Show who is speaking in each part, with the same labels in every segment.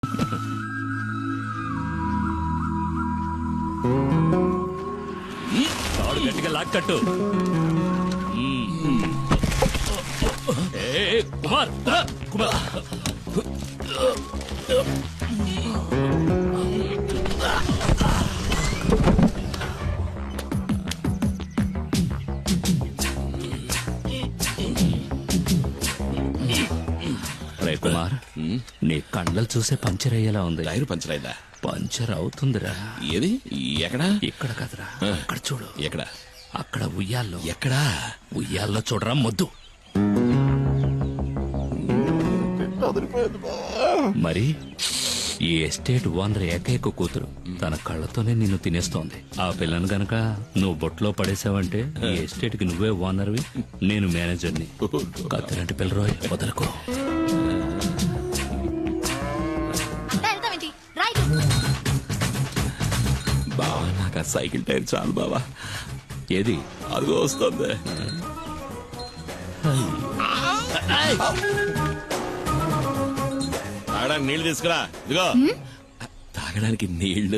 Speaker 1: తాడు గట్టిగా లాక్కట్టు. కుమార్ కుమార్ రే కుమార్, నీ కండలు చూసే పంచర్ అయ్యేలా ఉంది.
Speaker 2: టైర్ పంచర్ అయిందా?
Speaker 1: పంచర్ అవుతుందిరా.
Speaker 2: ఏది? ఎక్కడా?
Speaker 1: ఇక్కడ కదరా, అక్కడ చూడు.
Speaker 2: ఎక్కడ?
Speaker 1: అక్కడ ఉయ్యాల్లో.
Speaker 2: ఎక్కడా?
Speaker 1: ఉయ్యాల్లో చూడరా మొద్దు. మరి ఈ ఎస్టేట్ ఓనర్ ఏకైక కూతురు తన కళ్ళతోనే నిన్ను తినేస్తోంది. ఆ పిల్లను గనక నువ్వు బొట్లో పడేసావంటే ఈ ఎస్టేట్ కి నువ్వే ఓనర్వి, నేను మేనేజర్ని. కత్తిలాంటి పిల్లరోయ్, వదలకు.
Speaker 2: బావా, నాకు ఆ సైకిల్ టైర్ చాలు బావా.
Speaker 1: ఏది?
Speaker 2: అదిగో వస్తుంది. తాగడానికి నీళ్లు తీసుకురా. ఇదిగో తాగడానికి నీళ్లు.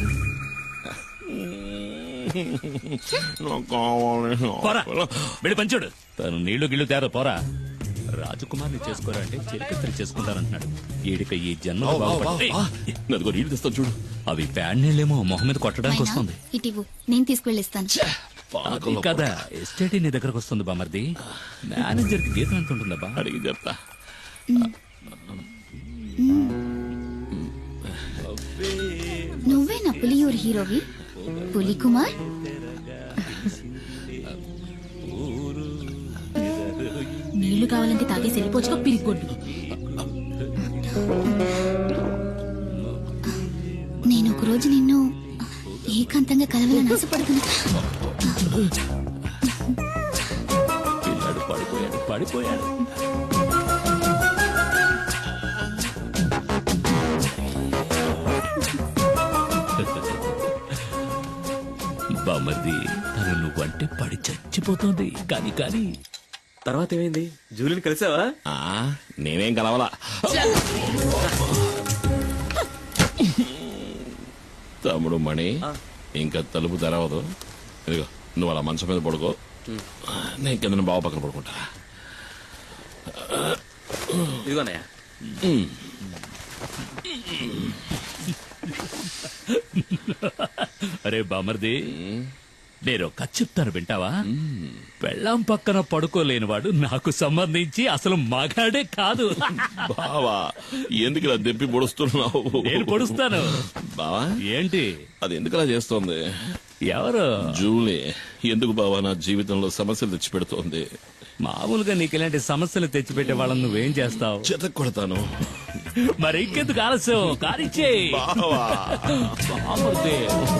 Speaker 1: పోరా, వెళ్ళి పంచుడు. తను నీళ్లు గిళ్ళు తేరా, పోరా. రాజకుమార్ని చేసుకోరా అంటే చిరకత్రి చేసుకుంటానంటున్నాడు. ఈడిక ఈ జన్మ
Speaker 2: అదిగో నీళ్లు తెస్తాను చూడు.
Speaker 1: అవి ప్యాడ్ నీళ్ళేమో మొహం మీద కొట్టడానికి వస్తుంది.
Speaker 3: ఇటివు, నేను తీసుకువెళ్ళిస్తాను.
Speaker 1: కదా ఎస్టేట్ నీ దగ్గరకు వస్తుంది బామర్ది. మేనేజర్ కి జీతం ఎంత ఉంటుందా?
Speaker 2: అడిగి చెప్తా.
Speaker 3: నువ్వే నా పులియూరు హీరోవి, పులి కుమార్. నీళ్లు కావాలంటే తాగేసి వెళ్ళిపోవచ్చుకో, పిరిగొడ్డు. నేను ఒకరోజు నిన్ను ఏకాంతంగా కలవాలని ఆశపడుతున్నా.
Speaker 1: పిల్లాడు పడిపోయాడు. బామర్ది, తను నువ్వంటే పడి చచ్చిపోతుంది. కానీ
Speaker 4: తర్వాత ఏమైంది? జూలిని కలిసావా?
Speaker 2: నేనేం కలవలా. తమ్ముడు మణి, ఇంకా తలుపు తెరవదు. ఇదిగో నువ్వు అలా మంచం మీద పడుకో, నేను కింద బావ పక్కన పడుకుంటా.
Speaker 4: ఇదిగోనయ్యా.
Speaker 1: అరే బామర్ది, నేను కథ చెప్తాను వింటావా? పెళ్ళాం పక్కన పడుకోలేనివాడు నాకు సంబంధించి అసలు మగాడే కాదు.
Speaker 2: బావా, ఎందుకు ఇలా దెప్పి పొడుస్తున్నావు?
Speaker 1: నేను పొడుస్తాను.
Speaker 2: బావా
Speaker 1: ఏంటి?
Speaker 2: అది ఎందుకు అలా చేస్తోంది?
Speaker 1: ఎవరు?
Speaker 2: జూలీ. ఎందుకు బావా నా జీవితంలో సమస్యలు తెచ్చి పెడుతోంది?
Speaker 1: మామూలుగా నీకు ఇలాంటి సమస్యలు తెచ్చిపెట్టే వాళ్ళని నువ్వేం చేస్తావు?
Speaker 2: చెత్త కొడతాను.
Speaker 1: మరి ఇంకెందుకు ఆలస్యం? కారిచ్చే
Speaker 2: బావా.
Speaker 1: బామర్ది.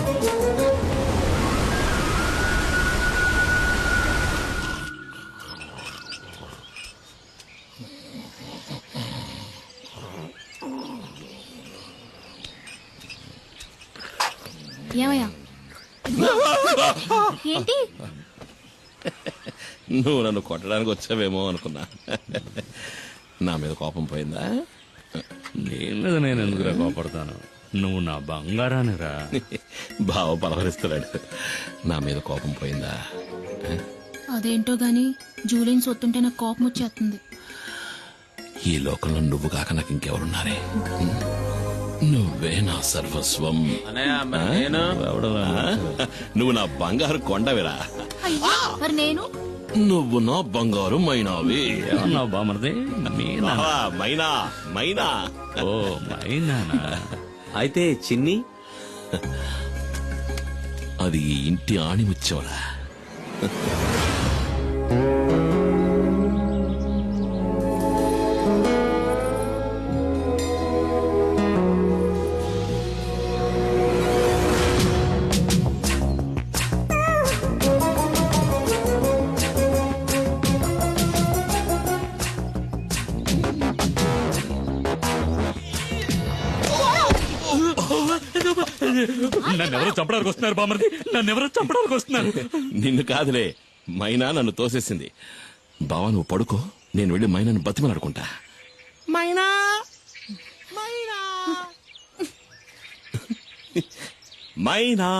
Speaker 3: ఏమయ్యా? ఏంటి?
Speaker 2: నువ్వు నన్ను కొట్టడానికి వచ్చావేమో అనుకున్నా. నా మీద కోపం పోయిందా?
Speaker 1: నీ మీద నేను ఎందుకురా కోపడతాను? నువ్వు నా బంగారానిరా.
Speaker 2: బావ పలవరిస్తున్నాడు. నా మీద కోపం పోయిందా?
Speaker 3: అదేంటో గాని జూలిని సొత్తుంటే నాకు కోపం వచ్చేస్తుంది.
Speaker 2: ఈ లోకంలో నువ్వు కాక నాకు ఇంకెవరున్నారే? నువ్వే నా సర్వస్వం. నువ్వు నా బంగారు కొండవిరా.
Speaker 3: మరి నేను?
Speaker 2: నువ్వు నా బంగారు మైనావి.
Speaker 1: ఏమన్నావు బామర్ది?
Speaker 2: మైనా మైనా.
Speaker 1: ఓ మైనానా?
Speaker 4: అయితే చిన్ని?
Speaker 2: అది ఈ ఇంటి ఆణిముత్యంలా.
Speaker 1: నన్నెవరో చంపడానికి వస్తున్నారు బామర్ది, నన్నెవరో చంపడానికి వస్తున్నారు.
Speaker 2: నిన్ను కాదులే, మైనా నన్ను తోసేసింది. బావా నువ్వు పడుకో, నేను వెళ్ళి మైనాను బతిమలాడుకుంటా. మైనా మైనా మైనా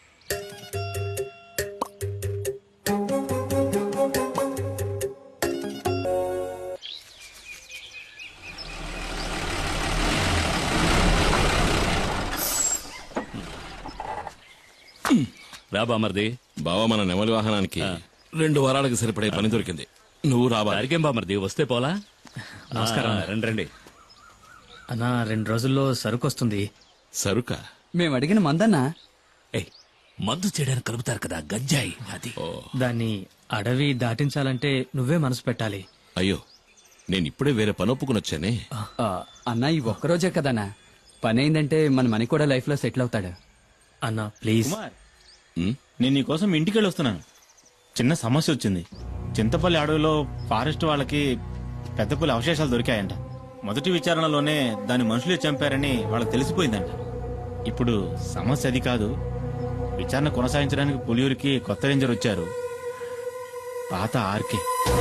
Speaker 1: రా బామర్ది.
Speaker 2: బావ మన నెమలి వాహనానికి 2 వారాలకు సరిపడే పని దొరికింది. నువ్వు రావాలి.
Speaker 1: దారికేం బామర్ది, వస్తే పోలా.
Speaker 5: నమస్కారం.
Speaker 1: రండి రండి.
Speaker 5: అన్నా 2 రోజుల్లో సరుకు వస్తుంది.
Speaker 2: సరుక
Speaker 6: మేము అడిగిన మందన్నా
Speaker 1: ఏయ్, మందు చేయడానికి కలుపుతారు కదా గంజాయి, అది.
Speaker 5: దాన్ని అడవి దాటించాలంటే నువ్వే మనసు పెట్టాలి.
Speaker 2: అయ్యో, నేను ఇప్పుడే వేరే పని ఒప్పుకుని వచ్చానే.
Speaker 6: అన్నా ఈ ఒక్కరోజే కదన్నా పని అయిందంటే మన మనీ కూడా లైఫ్ లో సెటిల్ అవుతాడు.
Speaker 5: అన్నా ప్లీజ్.
Speaker 7: నేను నీకోసం ఇంటికి వెళ్ళి వస్తున్నాను. చిన్న సమస్య వచ్చింది. చింతపల్లి అడవిలో ఫారెస్ట్ వాళ్ళకి పెద్ద పులి అవశేషాలు దొరికాయంట. మొదటి విచారణలోనే దాని మనుషులే చంపారని వాళ్ళకి తెలిసిపోయిందంట. ఇప్పుడు సమస్య అది కాదు. విచారణ కొనసాగించడానికి పులియూరికి కొత్త రేంజర్ వచ్చారు, పాత ఆర్కే.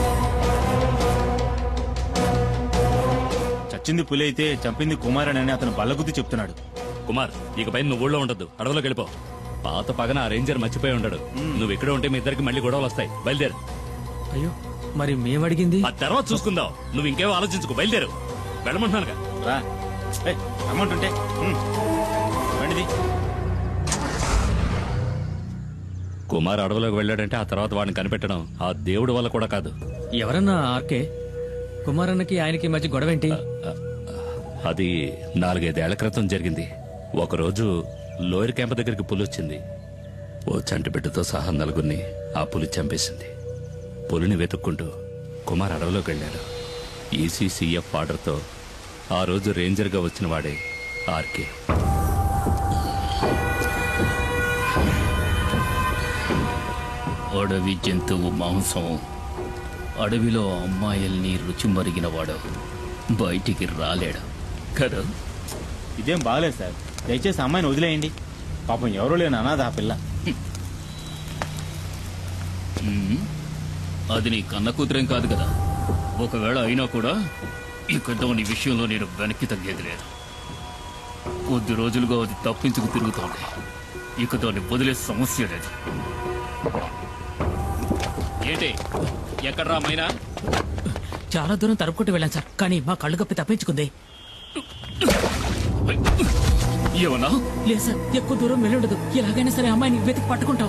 Speaker 7: చచ్చింది పులి అయితే చంపింది కుమారన్ అని అతను బల్లగుద్ది చెప్తున్నాడు.
Speaker 1: కుమార్, ఇకపై నువ్వు ఊళ్ళో ఉండద్దు, అడవిలోకి వెళ్ళిపో. పాత పగన ఆ రేంజర్ మర్చిపోయి ఉండడు. నువ్వు ఇక్కడ ఉంటే మీ ఇద్దరికి మళ్ళీ గొడవలు వస్తాయి. బయలుదేరు.
Speaker 5: అయ్యో, మరి మేమడిగింది?
Speaker 1: ఆ తర్వాత చూసుకుందాం. నువ్వు ఇంకేమో ఆలోచించుకో, బయలుదేరు. వెళ్ళమంటున్నానుగా.
Speaker 7: రా, అమౌంట్ ఉంటే రండిది.
Speaker 1: కుమార్ అడవిలోకి వెళ్ళాడంటే ఆ తర్వాత వాడిని కనిపెట్టడం ఆ దేవుడి వల్ల కూడా కాదు.
Speaker 5: ఎవరన్నా ఆర్కే? కుమారన్నకి ఆయనకి మధ్య గొడవేంటి?
Speaker 1: అది 4-5 ఏళ్ల క్రితం జరిగింది. ఒకరోజు లోయర్ క్యాంప్ దగ్గరికి పులి వచ్చింది. ఓ చంటి బిడ్డతో సహా 4గురిని ఆ పులి చంపేసింది. పులిని వెతుక్కుంటూ కుమార్ అడవిలోకి వెళ్ళాడు. ఈసీసీఎఫ్ ఆర్డర్తో ఆ రోజు రేంజర్గా వచ్చిన వాడే ఆర్కే.
Speaker 8: అడవి జంతువు మాంసం, అడవిలో అమ్మాయిల్ని రుచి మరిగినవాడు బయటికి రాలేడు కదా.
Speaker 7: ఇదేం బాగలేదు సార్. దయచేసి అమ్మాయిని వదిలేయండి. పాపం ఎవరూ లేని అనాథ ఆ పిల్ల.
Speaker 8: అది నీ కన్న కూతురేం కాదు కదా. ఒకవేళ అయినా కూడా ఇక దాని విషయంలో నేను వెనక్కి తగ్గేది లేదు. కొద్ది రోజులుగా అది తప్పించుకు తిరుగుతోంది. ఇక దాన్ని వదిలే సమస్య లేదు.
Speaker 1: ఏంటి, ఎక్కడ్రా మైనా?
Speaker 5: చాలా దూరం తరుపుకుంటూ వెళ్ళాను సార్, కానీ మా కళ్ళు కప్పి తప్పించుకుంది.
Speaker 8: ఏమన్నా?
Speaker 5: లేదు సార్, ఎక్కువ దూరం వెళ్ళుండదు. ఎలాగైనా సరే అమ్మాయిని వెతికి పట్టుకుంటాం.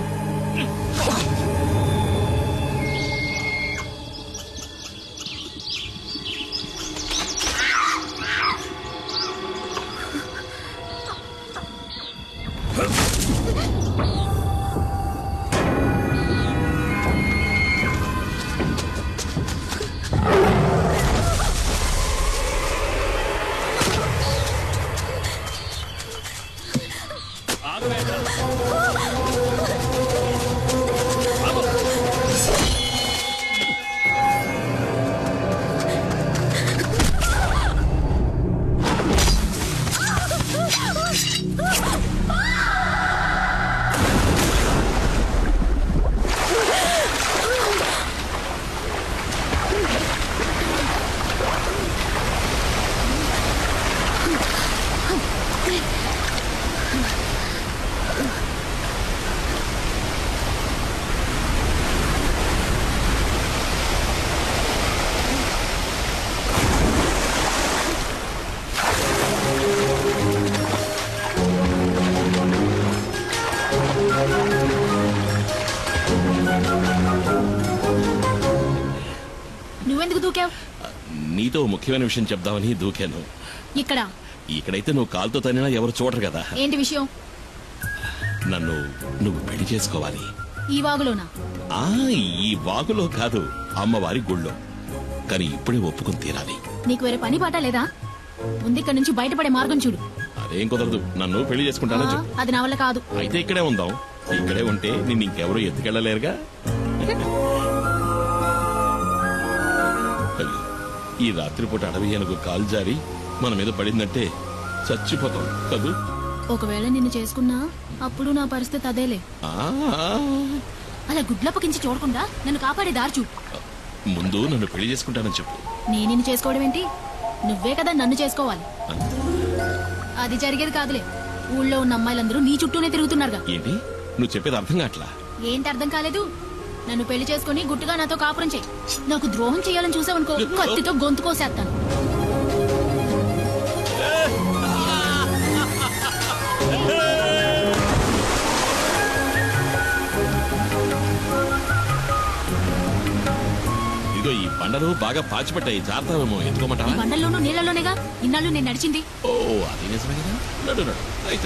Speaker 3: నువ్వెందుకు దూకావు?
Speaker 2: నీతో ముఖ్యమైన విషయం చెప్దామని దూకాను.
Speaker 3: ఇక్కడ
Speaker 2: ఇక్కడైతే నువ్వు కాలుతో తనినా ఎవరు చూడరు కదా.
Speaker 3: ఏంటి విషయం?
Speaker 2: నువ్వు పెళ్లి చేసుకోవాలి.
Speaker 3: ఈ వాగులోనా?
Speaker 2: ఆ ఈ వాగులో కాదు, అమ్మవారి గుళ్ళో. కానీ ఇప్పుడే ఒప్పుకుని తీరాలి.
Speaker 3: నీకు వేరే పని పాట లేదా? ముందు ఇక్కడ నుంచి బయటపడే మార్గం చూడు.
Speaker 2: అదేం కుదరదు. నన్ను పెళ్లి చేసుకుంటానని చెప్పు.
Speaker 3: అది నా వల్ల కాదు.
Speaker 2: అయితే ఇక్కడే ఉందాం. ఇక్కడే ఉంటే నిన్ను ఇంకెవరూ ఎత్తుకెళ్ళలేరుగా. అయ్యో, ఈ రాత్రిపూట అడవి ఏనుగు కాలు జారి మన మీద పడిందంటే చచ్చిపోతాం కదూ.
Speaker 3: ఒకవేళ నిన్ను చేసుకున్నా అప్పుడు నా పరిస్థితి అదేలే.
Speaker 2: ఆ,
Speaker 3: అలా గుడ్లప్పకించి చూడకుండా నన్ను కాపాడే దారి చూడు.
Speaker 2: ముందు నన్ను పెళ్లి చేసుకుంటానని చెప్పు.
Speaker 3: నేను నిన్ను చేసుకోవడం ఏంటి? నువ్వే కదా నన్ను చేసుకోవాలి. అది జరిగేది కాదులే. ఊళ్ళో ఉన్న అమ్మాయిలందరూ నీ చుట్టూనే తిరుగుతున్నారుగా.
Speaker 2: ఏంటి నువ్వు చెప్పేది అర్థం కావట్లా?
Speaker 3: ఏంటి అర్థం కాలేదు? నన్ను పెళ్లి చేసుకుని గుట్టుగా నాతో కాపురం చెయ్యి. నాకు ద్రోహం చేయాలని చూసావనుకో, కత్తితో గొంతు కోసేస్తాను.
Speaker 2: ఇదిగో ఈ బండలు బాగా పాచిపట్టాయి, జాగ్రత్తమేమో ఎత్తుకోమంటావా?
Speaker 3: బండల్లోనూ నీళ్లలోనేగా ఇన్నాళ్ళు నేను నడిచింది.
Speaker 2: ఓ అది నిజమే కదా. నడు నడు. అయితే